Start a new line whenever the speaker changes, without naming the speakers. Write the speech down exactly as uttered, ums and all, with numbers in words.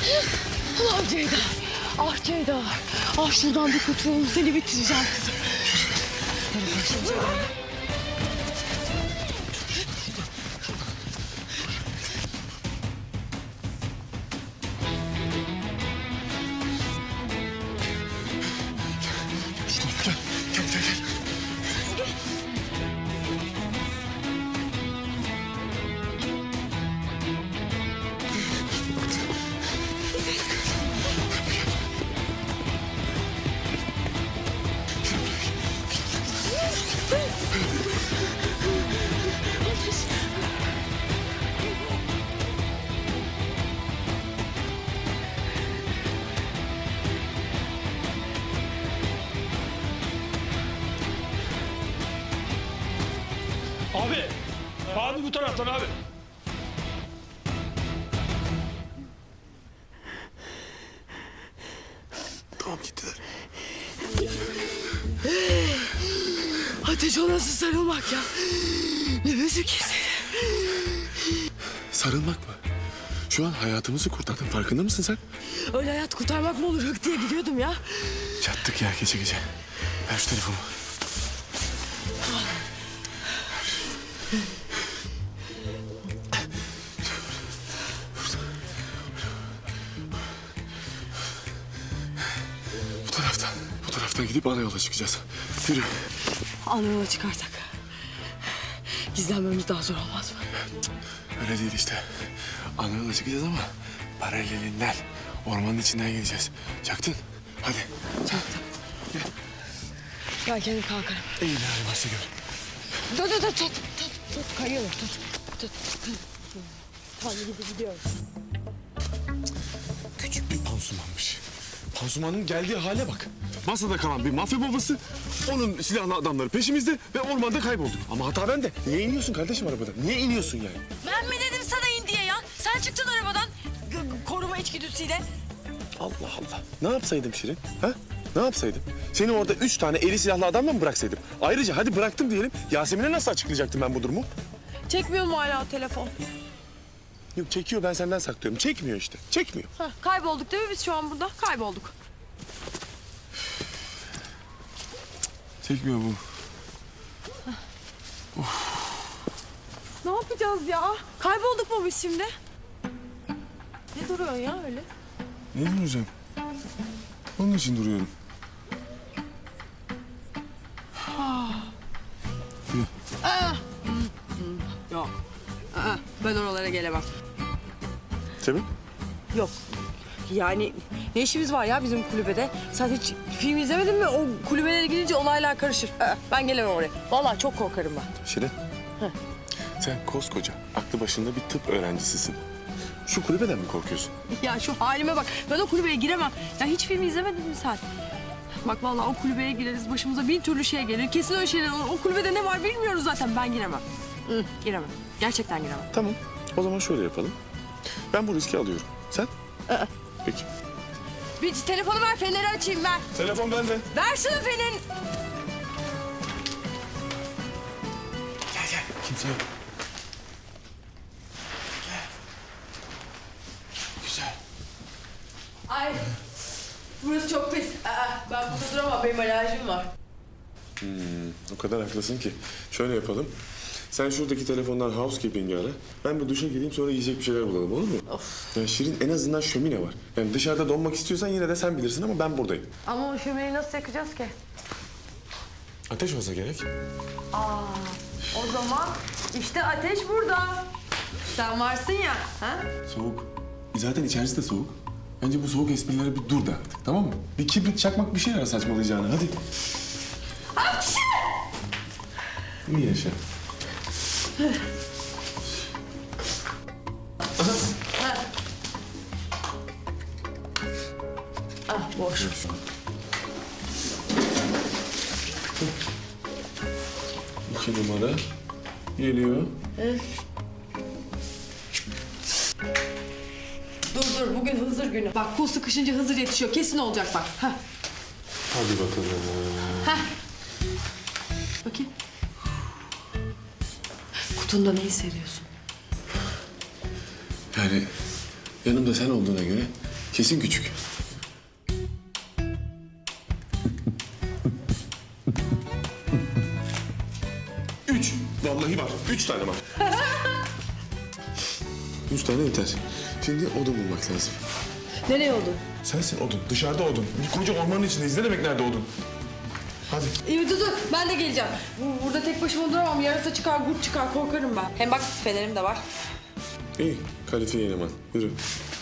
Ah Ceyda. Ah Ceyda. Ah şuradan bir kurtulalım. Seni bitireceğim kızım. Hadi başım Ceyda.
Gel, gel, gel.
Abi, abi bu taraftan abi.
Tamam gittiler.
Ateş, o nasıl sarılmak ya? Nefesi kesildi.
Sarılmak mı? Şu an hayatımızı kurtardın. Farkında mısın sen?
Öyle hayat kurtarmak mı olur? Hık diye gidiyordum ya.
Çattık ya gece gece. Ver şu telefonu. Bu taraftan, bu taraftan gidip ana yola çıkacağız. Yürü.
Ana yola çıkarsak gizlenmemiz daha zor olmaz mı?
Öyle değil işte. Ana yola çıkacağız ama paralelinden, ormanın içinden gideceğiz. Çaktın. Hadi.
Çaktım.
Gel.
Ben kendim kalkarım.
İyi ne hali varsa gör.
Dur dur dur tut tut tut kayıyorum tut tut. Tamam gidip gidiyorum.
Küçük bir pansumanmış. Pansumanın geldiği hale bak. Masada kalan bir mafya babası, onun silahlı adamları peşimizde ve ormanda kaybolduk. Ama hata bende. Niye iniyorsun kardeşim arabadan? Niye iniyorsun yani?
Ben mi dedim sana in diye ya? Sen çıktın arabadan g- koruma içgüdüsüyle.
Allah Allah. Ne yapsaydım Şirin? Ha? Ne yapsaydım? Seni orada üç tane eli silahlı adamla mı bıraksaydım? Ayrıca hadi bıraktım diyelim. Yasemin'e nasıl açıklayacaktım ben bu durumu?
Çekmiyor mu hala telefon?
Yok çekiyor, ben senden saklıyorum. Çekmiyor işte. Çekmiyor.
Heh, kaybolduk değil mi biz şu an burada? Kaybolduk.
Çekmiyor bu.
Ne yapacağız ya? Kaybolduk mu biz şimdi? Ne duruyorsun ya öyle?
Ne duracağım? Onun için duruyorum.
Yok. Aa, ben oralara gelemem.
Sebep?
Yok. Yani ne işimiz var ya bizim kulübede? Sen hiç film izlemedin mi? O kulübelere gidince olaylar karışır. Aa, ben gelemem oraya. Vallahi çok korkarım ben.
Şirin. Sen koskoca, aklı başında bir tıp öğrencisisin. Şu kulübeden mi korkuyorsun?
Ya şu halime bak. Ben o kulübeye giremem. Ya hiç film izlemedin mi sen? Bak vallahi o kulübeye gireriz. Başımıza bin türlü şey gelir. Kesin öyle şeyler olur. O kulübede ne var bilmiyoruz zaten. Ben giremem. Hı, giremem. Gerçekten giremem.
Tamam. O zaman şöyle yapalım. Ben bu riski alıyorum. Sen? Peki.
Bir telefonu ver, feneri açayım ben.
Telefon bende.
Ver şunu fenerin.
Gel gel. Kimse yok. Güzel.
Ay, burası çok pis. Aa, ben burada duramam. Benim alerjim var.
O kadar haklısın ki. Şöyle yapalım. Sen şuradaki telefondan housekeeping'i ara. Ben bir duşa gireyim, sonra yiyecek bir şeyler bulalım, olur mu?
Of.
Ya Şirin, en azından şömine var. Yani dışarıda donmak istiyorsan yine de sen bilirsin ama ben buradayım.
Ama o şömineyi nasıl yakacağız ki?
Ateş olsa gerek.
Aa, o zaman işte ateş burada. Sen varsın ya. Ha?
Soğuk. Zaten içerisi de soğuk. Bence bu soğuk esprilere bir dur da artık, tamam mı? Bir kibrit çakmak bir şey ara saçmalayacağını, hadi.
Hapşi!
İyi yaşa.
Ah, boş.
İki numara geliyor.
Dur dur, bugün Hızır günü. Bak kul sıkışınca Hızır yetişiyor. Kesin olacak bak. Heh.
Hadi bakalım.
Heh. Bakayım. Kutunda ne hissediyorsun?
Yani yanımda sen olduğuna göre Kesin küçük. Üç. Vallahi var. Üç tane var. Üç tane yeter. Şimdi odun bulmak lazım.
Nereye oldu?
Sensin odun. Dışarıda odun. Bir koca ormanın içindeyiz. Ne demek nerede odun? Hadi.
İyi dur dur ben de geleceğim. Bu- Burada tek başıma duramam. Yarısı çıkar, kurt çıkar. Korkarım ben. Hem bak fenerim de var.
İyi. Kalifiye eleman. Yürü.